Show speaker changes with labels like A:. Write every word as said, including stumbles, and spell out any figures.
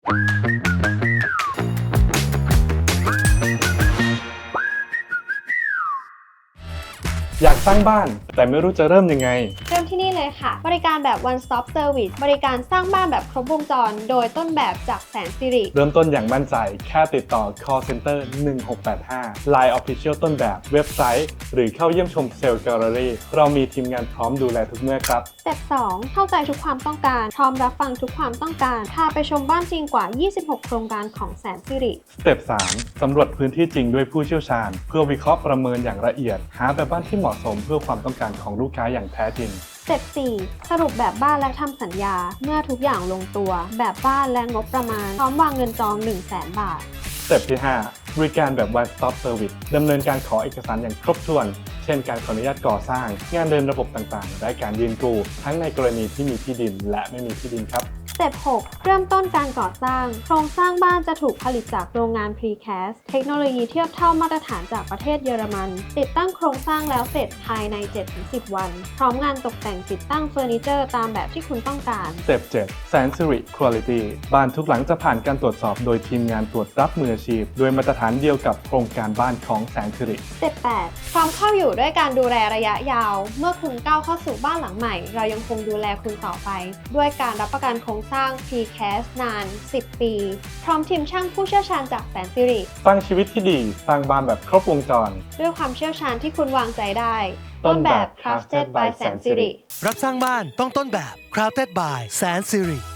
A: อยากสร้างบ้านแต่ไม่รู้จะเริ่มยังไง
B: เริ่มที่นี่เลยค่ะบริการแบบ one stop service บริการสร้างบ้านแบบครบวงจรโดยต้นแบบจากแสนสิริ
A: เริ่มต้นอย่างมั่นใจแค่ติดต่อ call center หนึ่งหกแปดห้า ไลน์ Official ต้นแบบเว็บไซต์หรือเข้าเยี่ยมชมเซลล์แกลเลอรี่เรามีทีมงานพร้อมดูแลทุกเมื่อครับ
B: สเต็ปสองเข้าใจทุกความต้องการพร้อมรับฟังทุกความต้องการพาไปชมบ้านจริงกว่ายี่สิบหกโครงการของแสนสิริ
A: สเต็ปสามสำรวจพื้นที่จริงด้วยผู้เชี่ยวชาญเพื่อวิเคราะห์ประเมินอย่างละเอียดหาแบบบ้านที่เหมาะสมเพื่อความต้องการของลูกค้าอย่างแท้จริง
B: สเต็ปสี่สรุปแบบบ้านและทำสัญญาเมื่อทุกอย่างลงตัวแบบบ้านและงบประมาณพร้อมวางเงินจอง หนึ่งแสน บาท
A: สเต็ปที่ห้าบริการแบบ one stop service ดำเนินการขอเอกสารอย่างครบถ้วนเช่นการขออนุญาตก่อสร้างงานเดินระบบต่างๆและการยืนกู้ทั้งในกรณีที่มีที่ดินและไม่มีที่ดินครับ
B: สเต็ปหกเริ่มต้นการก่อสร้างโครงสร้างบ้านจะถูกผลิตจากโรงงาน Precast เทคโนโลยีเทียบเท่ามาตรฐานจากประเทศเยอรมันติดตั้งโครงสร้างแล้วเสร็จภายใน เจ็ดถึงสิบ วันพร้อมงานตกแต่งติดตั้งเฟอร์นิเจอร์ตามแบบที่คุณต้องการ
A: สเต็ปเจ็ดแสนสิริ Quality บ้านทุกหลังจะผ่านการตรวจสอบโดยทีมงานตรวจรับมืออาชีพโดยมาตรฐานเดียวกับโครงการบ้านของแสนสิริ
B: สเต็ปแปดความเข้าอยู่ด้วยการดูแลระยะยาวเมื่อคุณก้าวเข้าสู่บ้านหลังใหม่เรายังคงดูแลคุณต่อไปด้วยการรับประกันโครงสร้าง Precast นาน สิบ ปีพร้อมทีมช่างผู้เชี่ยวชาญจากแสนสิริ
A: สร้างชีวิตที่ดีสร้างบ้านแบบครบวงจร
B: ด้วยความเชี่ยวชาญที่คุณวางใจได้
A: ต้นแบบ
B: Crafted by แสนสิริ
C: รักสร้างบ้านต้องต้นแบบ Crafted by แสนสิริ